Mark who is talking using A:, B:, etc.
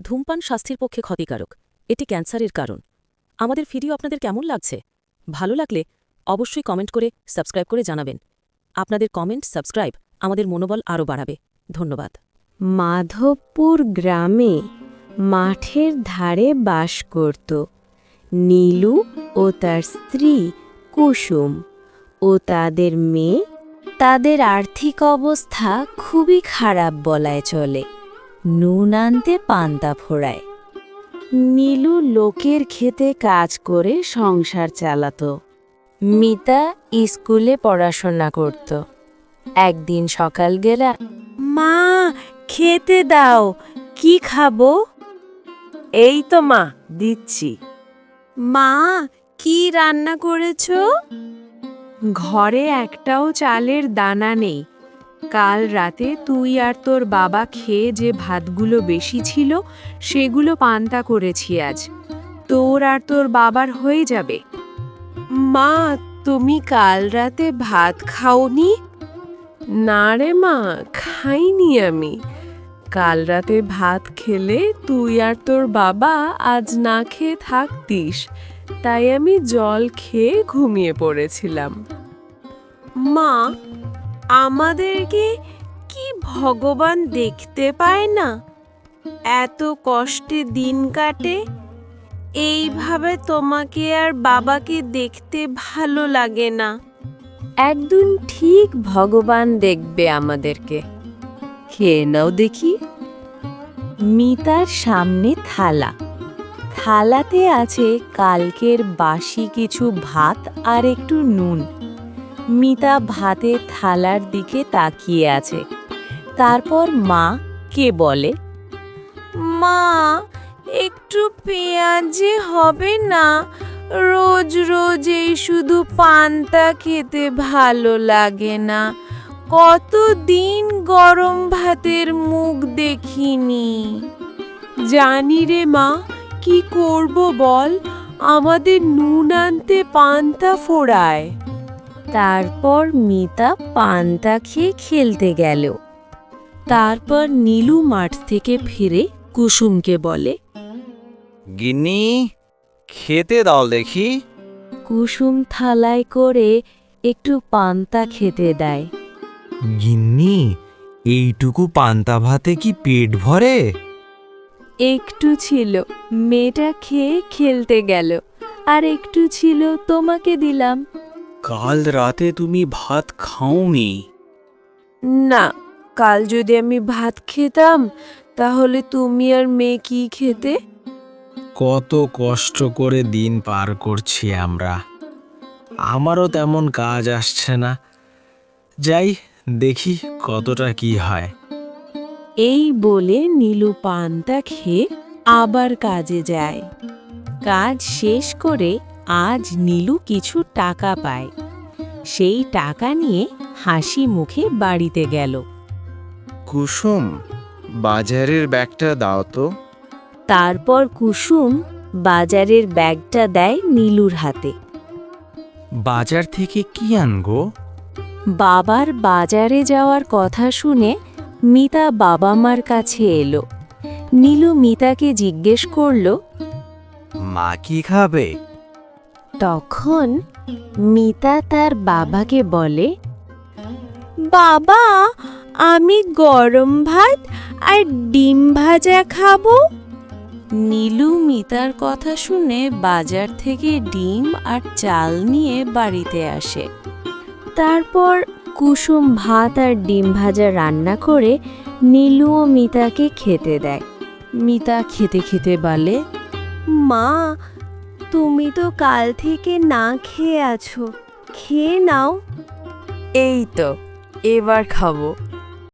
A: ধূমপান স্বাস্থ্যের পক্ষে ক্ষতিকারক। এটি ক্যান্সারের কারণ। আমাদের ভিডিও আপনাদের কেমন লাগছে? ভালো লাগলে অবশ্যই কমেন্ট করে সাবস্ক্রাইব করে জানাবেন। আপনাদের কমেন্ট, সাবস্ক্রাইব আমাদের মনোবল আরও বাড়াবে। ধন্যবাদ।
B: মাধবপুর গ্রামে মাঠের ধারে বাস করত নীলু ও তার স্ত্রী কুসুম ও তাদের মেয়ে। তাদের আর্থিক অবস্থা খুবই খারাপ বলায় চলে। নুন আনতে পান্তা ফোড়ায়। নীলু লোকের ক্ষেতে কাজ করে সংসার চালাত। মিতা স্কুলে পড়াশোনা করত। একদিন সকালবেলা, মা খেতে দাও, কি খাবো?
C: এই তো মা, দিচ্ছি।
B: মা, কি রান্না করেছো? ঘরে একটাও চালের দানা নেই। কাল রাতে তুই আর তোর বাবা খেয়ে যে ভাতগুলো বেশি ছিল সেগুলো পান্তা করেছি আজ। তোর আর তোর বাবার হয়ে যাবে। মা, তুমি কাল রাতে ভাত খাওনি?
C: না রে মা, খাইনি আমি। কাল রাতে ভাত খেলে তুই আর তোর বাবা আজ না খেয়ে থাকতিস, তাই আমি জল খেয়ে ঘুমিয়ে পড়েছিলাম।
B: মা, আমাদেরকে কি ভগবান দেখতে পায় না? এত কষ্টে দিন কাটে। এইভাবে তোমাকে আর বাবাকে দেখতে ভালো লাগে না। একদিন ঠিক ভগবান দেখবে আমাদেরকে। খেয়ে নাও দেখি। মিতার সামনে থালা। থালাতে আছে কালকের বাসি কিছু ভাত আর একটু নুন। মিতা ভাতের থালার দিকে তাকিয়ে আছে। তারপর মা কে বলে, মা, একটু পেঁয়াজি হবে না? রোজ রোজ এই শুধু পান্তা খেতে ভালো লাগে না। কতদিন গরম ভাতের মুখ দেখিনি।
C: জানি রে মা, কি করব বল? আমাদের নুন আনতে পান্তা ফোড়ায়।
B: তারপর মিতা পান্তা খেয়ে খেলতে গেল। তারপর নীলু মাঠ থেকে ফিরে কুসুমকে বলে,
D: গিন্নি, খেতে দাও দেখি।
B: কুসুম থালায় করে একটু পান্তা খেতে দেয়।
E: গিন্নি, এইটুকু পান্তা ভাতে কি পেট ভরে?
B: একটু ছিল, মেয়েটা খেয়ে খেলতে গেল। আর একটু ছিল, তোমাকে দিলাম।
F: কাল রাতে তুমি ভাত খাওনি?
C: না, কাল যদি আমি ভাত খেতাম তাহলে তুমি আর মেয়ে কি খেতে?
E: কত কষ্ট করে দিন পার করছি আমরা। আমারও তেমন কাজ আসছে না। যাই দেখি কতটা কি হয়।
B: এই বলে নীলু পান্তা খেয়ে আবার কাজে যায়। কাজ শেষ করে আজ নীলু কিছু টাকা পায়। সেই টাকা নিয়ে হাসি মুখে বাড়িতে গেল।
D: কুসুম, বাজারের ব্যাগটা দাও তো।
B: তারপর কুসুম বাজারের ব্যাগটা দেয় নীলুর হাতে।
E: বাজার থেকে কি আনগো?
B: বাবার বাজারে যাওয়ার কথা শুনে মিতা বাবা মার কাছে এলো। নীলু মিতাকে জিজ্ঞেস করল,
E: মা কি খাবে?
B: তখন মিতা তার বাবাকে বলে, বাবা, আমি গরম ভাত আর ডিম ভাজা খাবো। নীলু মিতার কথা শুনে বাজার থেকে ডিম আর চাল নিয়ে বাড়িতে আসে। তারপর কুসুম ভাত আর ডিম ভাজা রান্না করে নীলু ও মিতাকে খেতে দেয়। মিতা খেতে খেতে বলে, মা, তুমি তো কাল থেকে না খেয়ে আছো, খেয়ে নাও।
C: এই তো, এবার খাবো।